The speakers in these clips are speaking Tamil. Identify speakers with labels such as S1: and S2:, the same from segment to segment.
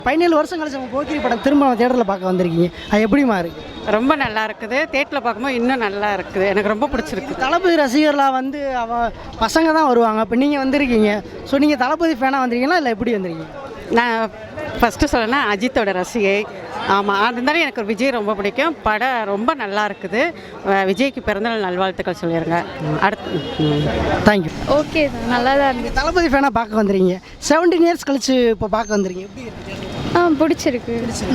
S1: 17 வருஷம் கழிச்சு நம்ம போக்கிரி படம் திரும்ப தியேட்டரில் பார்க்க வந்திருக்கீங்க, அது எப்படிமா இருக்குது?
S2: ரொம்ப நல்லா இருக்குது. தேட்டரில் பார்க்கும்போது இன்னும் நல்லா இருக்குது. எனக்கு ரொம்ப பிடிச்சிருக்கு.
S1: தளபதி ரசிகர்களாக வந்து பசங்க தான் வருவாங்க. இப்போ நீங்கள் வந்திருக்கீங்க, ஸோ நீங்கள் தளபதி ஃபேனாக வந்திருக்கீங்களா இல்லை எப்படி வந்திருக்கீங்க?
S2: நான் ஃபஸ்ட்டு சொல்லணும்னா அஜித்தோட ரசிகை. ஆமாம், இருந்தாலும் எனக்கு விஜய் ரொம்ப பிடிக்கும். படம் ரொம்ப நல்லா இருக்குது. விஜய்க்கு பிறந்தநாள் நல்வாழ்த்துக்கள் சொல்லிடுங்க. அடுத்து
S1: தேங்க்யூ.
S3: ஓகே தான், நல்லா தான் இருந்துச்சு.
S1: தளபதி ஃபேனாக பார்க்க வந்துருக்கீங்க, 17 இயர்ஸ் கழிச்சு இப்போ பார்க்க வந்துருக்கீங்க, எப்படி இருக்குது?
S3: பிடிச்சிருக்கு.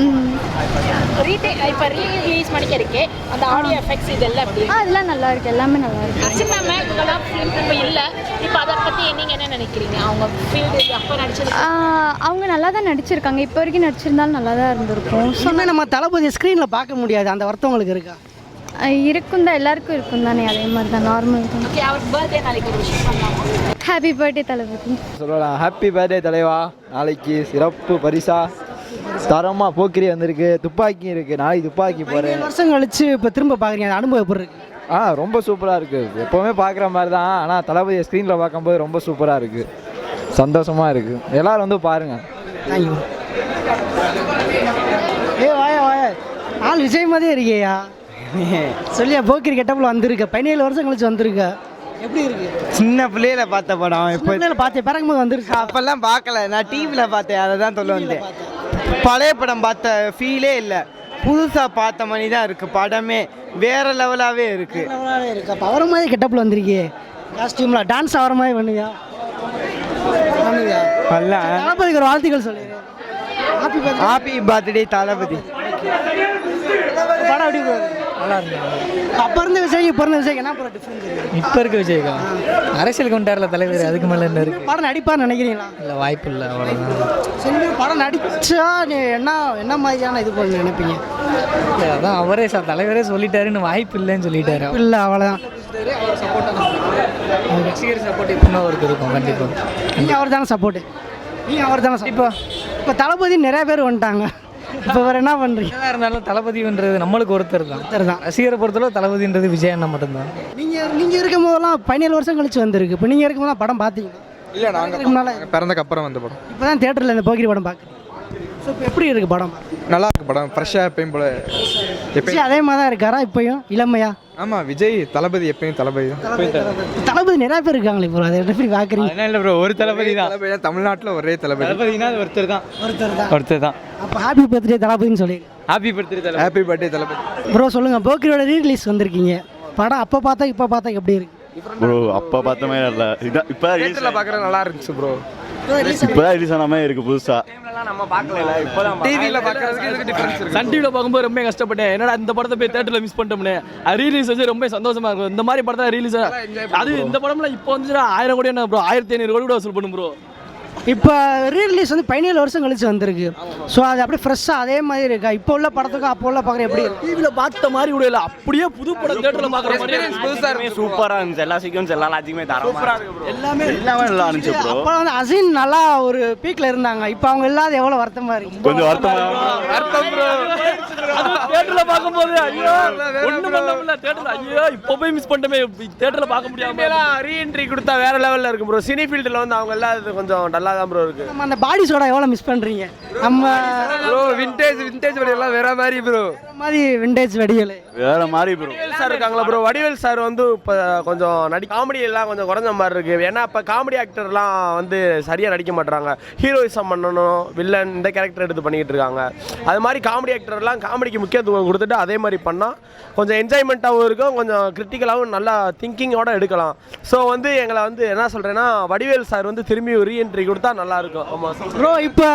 S4: இப்போ ரீலீஸ் பண்ணிக்கிறதுக்கு அந்த ஆடியோ எஃபெக்ட்ஸ் இதெல்லாம் எப்படி
S3: அதெல்லாம் நல்லா இருக்கு, எல்லாமே நல்லா இருக்கு.
S4: அர்ச்சனா மேம் இவங்கெல்லாம் ஃபிலிம் இப்போ இல்லை. இப்போ அதை பற்றி நீங்கள் என்ன நினைக்கிறீங்க? அவங்க ஃபீல்டு அப்போ நடிச்சது
S3: அவங்க நல்லா தான் நடிச்சிருக்காங்க. இப்போ வரைக்கும் நடிச்சிருந்தாலும் நல்லா தான் இருந்திருக்கும்.
S1: சொன்னால் நம்ம தளபதி ஸ்க்ரீனில் பார்க்க முடியாது, அந்த வருத்தம் உங்களுக்கு இருக்கா?
S3: இருக்கும் தான், எல்லாருக்கும் இருக்கும் தானே, அதே மாதிரி தான், நார்மல் தான்.
S4: ஓகே, அவருக்கு பர்த்டே நாளைக்கு ஒரு விஷயம் பண்ணலாமா?
S3: Happy birthday Thalapathy.
S5: சொல்லலாம், ஹாப்பி பர்த்டே தலைவா. நாளைக்கு சிறப்பு பரிசா தரமாக போக்கிரி வந்திருக்கு, துப்பாக்கி இருக்குது, நாளைக்கு துப்பாக்கி போகிறேன்.
S1: 17 வருஷம் கழிச்சு இப்போ திரும்ப பார்க்குறீங்க, அந்த அனுபவம் எப்படி இருக்கு?
S5: ரொம்ப சூப்பராக இருக்குது. எப்போவுமே பார்க்குற மாதிரி தான், ஆனால் தளபதியை ஸ்க்ரீனில் பார்க்கும்போது ரொம்ப சூப்பராக இருக்குது, சந்தோஷமாக இருக்குது. எல்லோரும் வந்து பாருங்கள்.
S1: தேங்க்யூ. வாயா வாயா, ஆள் விஜய் மாதிரியே இருக்கியா? சொல்லியா, போக்கிரி கெட்டப்பில் வந்திருக்க, 17 வருஷம் கழிச்சு வந்திருக்க, எப்படி இருக்கு?
S6: சின்ன பிள்ளையில பார்த்த படம். இப்போ
S1: பார்த்தேன், பிறகும்போது வந்துருக்கு.
S6: அப்பெல்லாம் பார்க்கல, நான் டிவியில் பார்த்தேன், அதை தான் சொல்ல வந்தேன். பழைய படம் பார்த்த ஃபீலே இல்லை, புதுசாக பார்த்த மாதிரி தான் இருக்குது. படமே வேற லெவலாகவே இருக்குது.
S1: இருக்கு. அப்போ அவர மாதிரி கெட்டப்பில் வந்திருக்கே, காஸ்டியூமில் டான்ஸ் ஆகிற மாதிரி பண்ணுவியா? தளபதிக்கு ஒரு வாழ்த்துக்கள் சொல்லிடுறேன்.
S6: Happy birthday Thalapathy.
S1: படம் எப்படி போகுது?
S7: நல்லா இருக்கு.
S1: அப்போ இருந்த விஜய் இப்போ இருந்த விஜய் என்ன படம் டிஃப்ரெண்ட் இருக்குது?
S7: இப்போ இருக்க விஜய்க்கா அரசியல் கொண்டாடல தலைவர், அதுக்கு மேலே என்ன இருக்கு?
S1: படம் நடிப்பான்னு நினைக்கிறீங்களா?
S7: இல்லை, வாய்ப்பு இல்லை, அவ்வளோதான்.
S1: சரி, படம் நடிச்சா நீ என்ன மாதிரியான இது பண்ண நினைப்பீங்க?
S7: இல்லை, அதான் அவரே தலைவரே சொல்லிட்டாருன்னு, வாய்ப்பு இல்லைன்னு சொல்லிட்டாரு.
S1: இல்லை, அவ்வளோதான்.
S7: ரசிகர் சப்போர்ட் இப்போ அவருக்கு இருக்கும் கண்டிப்பாக.
S1: நீங்கள் அவர் தானே சப்போர்ட்டு, நீங்கள் அவர் தானே இப்போ தளபதி நிறைய பேர் வந்துட்டாங்க, இப்போ வேறு என்ன பண்ணுறீங்க?
S7: எதாக இருந்தாலும் தளபதின்றது நம்மளுக்கு ஒருத்தர் தான். ரசிகரை பொறுத்தளவு தளபதின்றது விஜய் அண்ணா மட்டும்தான்.
S1: நீங்கள் இருக்கும் போதெல்லாம் 17 வருஷம் கழிச்சு வந்திருக்கு. இப்போ நீங்கள் இருக்கும் போதெல்லாம் படம் பார்த்தீங்களா?
S5: இல்லை, நாங்கள் பிறந்தக்கு அப்புறம் வந்த படம்.
S1: இப்போ தான் தேட்டரில் இந்த போக்கிரி படம் பார்க்குறேன். ஸோ இப்போ எப்படி இருக்குது படம்?
S5: நல்லா இருக்கு படம், ஃப்ரெஷ்ஷாக எப்பயும் போல.
S1: விஜய் அதே மாதிரி தான் இருக்காரா இப்போயும், இளமையா?
S5: ஆமாம், விஜய் தளபதி எப்பயும் தளபதி தான்.
S1: தளபதி நிறைய பேர் இருக்காங்களே இப்போ, அதை எப்படி பார்க்குறீங்க?
S5: அதனால இல்லை ப்ரோ, ஒரு தளபதி தான். தமிழ்நாட்டில் ஒரே தளபதி.
S7: தளபதினா ஒருத்தர் தான்.
S1: அப்போ ஹாப்பி பர்த்டே தளபதின்னு சொல்லி
S7: happy birthday
S5: happy birthday Thalapathy.
S1: Bro சொல்லுங்கள், போக்கிரியோட ரீரிலீஸ் வந்திருக்கீங்க, படம் அப்போ பார்த்தா இப்போ பார்த்தா எப்படி இருக்கு
S8: ப்ரோ? அப்போ பார்த்த மாதிரி இல்லை, இதான் இப்போ
S5: தியேட்டரில் பார்க்குறது நல்லா இருந்துச்சு ப்ரோ.
S8: இப்போ தான் ரிலீஸ் ஆன மாதிரி இருக்குது புதுசாக.
S5: நம்ம பார்க்கல, இப்போ தான் டிவியில் பார்க்குறதுக்கு இதுக்கு டிஃப்ரென்ஸ் இருக்குது.
S9: சன் டிவியில் பார்க்கும்போது ரொம்ப கஷ்டப்பட்டேன், என்னடா இந்த படத்தை போய் தேட்டரில் மிஸ் பண்ணிட்டோம்னே. அது ரீலீஸ் வச்சு ரொம்ப சந்தோஷமா இருக்கும். இந்த மாதிரி படத்தை ரீலீஸ் அது இந்த படம்லாம் இப்போ வந்துச்சுன்னா 1000 கோடி என்ன ப்ரோ, 1500 கோடி கூட வசூல் பண்ணும் ப்ரோ.
S1: இப்போ ரீரிலீஸ் வந்து 17 வருஷம் கழிச்சு வந்திருக்கு, ஸோ அது அப்படியே ஃப்ரெஷ்ஷாக அதே மாதிரி இருக்கா? இப்போ உள்ள படத்துக்கும் அப்போ உள்ள பார்க்குற எப்படி இருக்கு?
S9: டிவியில் பார்த்த மாதிரி கூட இல்லை, அப்படியே புது படம் தேட்டரில் பார்க்குற மாதிரி
S5: புதுசாக இருக்கு,
S8: சூப்பராக இருந்துச்சு. எல்லா சீக்கிரம் எல்லாம் லாஜிக்குமே தரோம்,
S1: எல்லாமே
S8: நல்லா இருந்துச்சு ப்ரோ.
S1: அப்போ வந்து அசின் நல்லா ஒரு பீக்கில் இருந்தாங்க, இப்போ அவங்க இல்லாத எவ்வளோ வருத்தமாக இருக்கு.
S8: கொஞ்சம் வருத்தம்
S9: ப்ரோ. தேட்டரில் பார்க்கும்போது ஐயோ ஒன்றும் பண்ண முடியல, தேட்டரில் ஐயோ இப்போ போய் மிஸ் பண்ணிட்டோமே, தேட்டரில் பார்க்க முடியாம.
S6: ரீஎன்ட்ரி கொடுத்தா வேற லெவலில் இருக்கும் ப்ரோ. சினி ஃபீல்டில் வந்து அவங்க எல்லாம் இது கொஞ்சம் நல்லா தான் ப்ரோ இருக்கு.
S1: நம்ம அந்த பாடி சோடா எவ்வளோ மிஸ் பண்ணுறீங்க? நம்ம
S6: ப்ரோ விண்டேஜ் வெடியெல்லாம் வேற மாதிரி ப்ரோ,
S1: மாதிரி விண்டேஜ் வெடிகள்
S8: வேற மாதிரி ப்ரோ.
S6: வடிவேல் சார் இருக்காங்களா ப்ரோ? வடிவேல் சார் வந்து இப்போ கொஞ்சம் காமெடி எல்லாம் கொஞ்சம் குறைஞ்ச மாதிரி இருக்கு. ஏன்னா இப்போ காமெடி ஆக்டர்லாம் வந்து சரியாக நடிக்க மாட்டாங்க, ஹீரோயிசம் பண்ணணும், வில்லன் இந்த கேரக்டர் எடுத்து பண்ணிக்கிட்டு இருக்காங்க. அது மாதிரி காமெடி ஆக்டர்லாம் காமெடிக்கு முக்கியத்துவம் கொடுத்துட்டு அதே மாதிரி பண்ணால் கொஞ்சம் என்ஜாய்மெண்ட்டாகவும் இருக்கும், கொஞ்சம் கிரிட்டிக்கலாகவும் நல்லா திங்கிங்கோட எடுக்கலாம். ஸோ வந்து எங்களை வந்து என்ன சொல்கிறேன்னா, வடிவேல் சார் வந்து திரும்பி ஒரு ரீஎன்ட்ரி கொடுத்தா நல்லாயிருக்கும். ஆமாம்
S1: ப்ரோ. இப்போ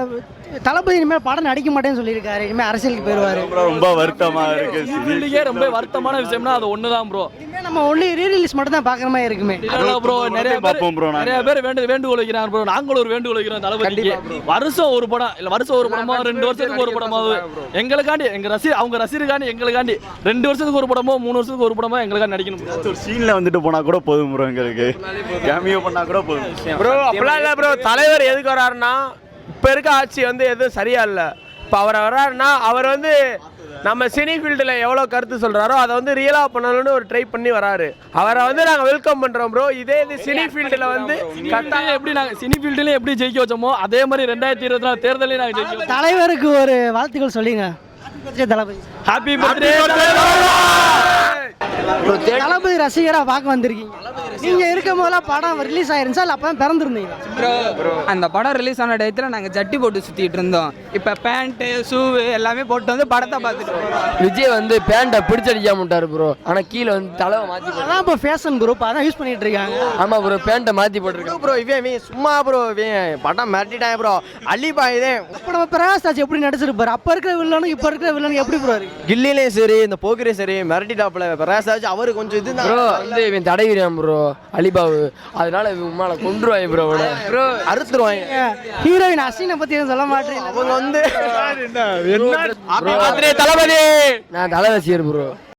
S1: தளபதி இனிமேல் படம் நடிக்க மாட்டேன்னு சொல்லியிருக்காரு, இனிமேல் அரசியலுக்கு போயிடுவார்.
S8: ரொம்ப வருத்தமாக இருக்கு.
S9: ரொம்ப வருத்தமான விஷயம்னா அது ஒன்று தான் ப்ரோ.
S1: இனிமேல் நம்ம ஒன்லி ரீரிலீஸ் மட்டும் தான் பார்க்குற மாதிரி இருக்குமே
S9: ப்ரோ. நிறைய
S8: பார்ப்போம் ப்ரோ,
S9: நிறைய பேர் வேண்டுகோள் வைக்கிறாங்க ப்ரோ. நாங்களும் ஒரு வேண்டுகோள் வைக்கிறோம் தளபதிக்கு, வருஷம் ஒரு படம் இல்லை, வருஷம் ஒரு படமோ 2 வருஷத்துக்கு ஒரு படமாவது எங்களுக்காண்டி, அவங்க ரசிகருக்காண்டி எங்களுக்காண்டி 2 வருஷத்துக்கு ஒரு படமோ 3 வருஷத்துக்கு ஒரு படமோ எங்களுக்காண்டி நடிக்கணும்.
S8: ஒரு சீனில் வந்துட்டு போனால் கூட போதும் ப்ரோ, எங்களுக்கு கேமியோ பண்ணால் கூட போதும்
S6: ப்ரோ. அப்படிலாம் இல்லை ப்ரோ, தலைவர் எதுக்கு வராருன்னா இப்போ இருக்க ஆட்சி வந்து எதுவும் சரியா இல்லை. இப்போ அவர் வர்றாருன்னா அவர் வந்து நம்ம சினி ஃபீல்டில் எவ்வளோ கருத்து சொல்கிறாரோ அதை வந்து ரியலாக பண்ணணும்னு ஒரு ட்ரை பண்ணி வராரு. அவரை வந்து நாங்கள் வெல்கம் பண்ணுறோம் ப்ரோ. இதே இது சினி ஃபீல்டில் வந்து
S9: கட்டாயம் எப்படி நாங்கள் சினி ஃபீல்டுலேயும் எப்படி ஜெயிக்க வச்சோமோ அதே மாதிரி 2024 தேர்தலையும் நாங்கள் ஜெயிக்க வச்சோம்.
S1: தலைவருக்கு ஒரு வாழ்த்துக்கள் சொல்லுங்க. தளபதி
S9: ஹாப்பி பர்த்டே.
S1: தளபதி ரசிகராக பார்க்க வந்திருக்கீங்க. நீங்கள் இருக்கும் போதெல்லாம் படம் ரிலீஸ் ஆயிருந்துச்சா இல்லை அப்போ பிறந்திருந்தீங்க?
S7: அந்த படம் ரிலீஸ் ஆன டயத்தில் நாங்கள் ஜட்டி போட்டு சுற்றிட்டு இருந்தோம். இப்போ பேண்ட்டு ஷூவு எல்லாமே போட்டு வந்து படத்தை பார்த்துட்டு
S10: விஜய் வந்து பேண்ட்டை பிடிச்சடிக்காம விட்டாரு ப்ரோ. ஆனால் கீழே வந்து தலைவை மாற்றி
S1: அதான் இப்போ ஃபேஷன் ப்ரோ. இப்போ அதான் யூஸ் பண்ணிட்டு இருக்காங்க.
S10: ஆமாம் ப்ரோ, பேண்ட்டை மாற்றி போட்டிருக்காங்க
S5: ப்ரோ. இவன் சும்மா ப்ரோ, இவன் படம் மிரட்டிட்டான் ப்ரோ. அள்ளிப்பா இதே
S1: இப்போ நம்ம பிரகாஷ் ராஜ் எப்படி நடிச்சிருப்பாரு? அப்போ இருக்கிற வில்லனும் இப்போ இருக்கிற வில்லனும் எப்படி ப்ரோ இருக்கு?
S5: கில்லிலையும் சரி இந்த போக்கிரையும் சரி மிரட்டிட்டாப்புல பிரகாஷ். அவரு கொஞ்சம் இது
S10: ப்ரோ வந்து இவன் தடைவிறான் ப்ரோ அலிபாபு. அதனால இவன் மேலே கொண்டுருவாங்க ப்ரோ. ப்ரோ
S5: அறுத்துருவாங்க.
S1: ஹீரோயின் அசினை பற்றி எதுவும் சொல்ல மாட்டேன்.
S5: அவங்க வந்து
S10: தளபதி நான் தலை ரசிகர் ப்ரோ.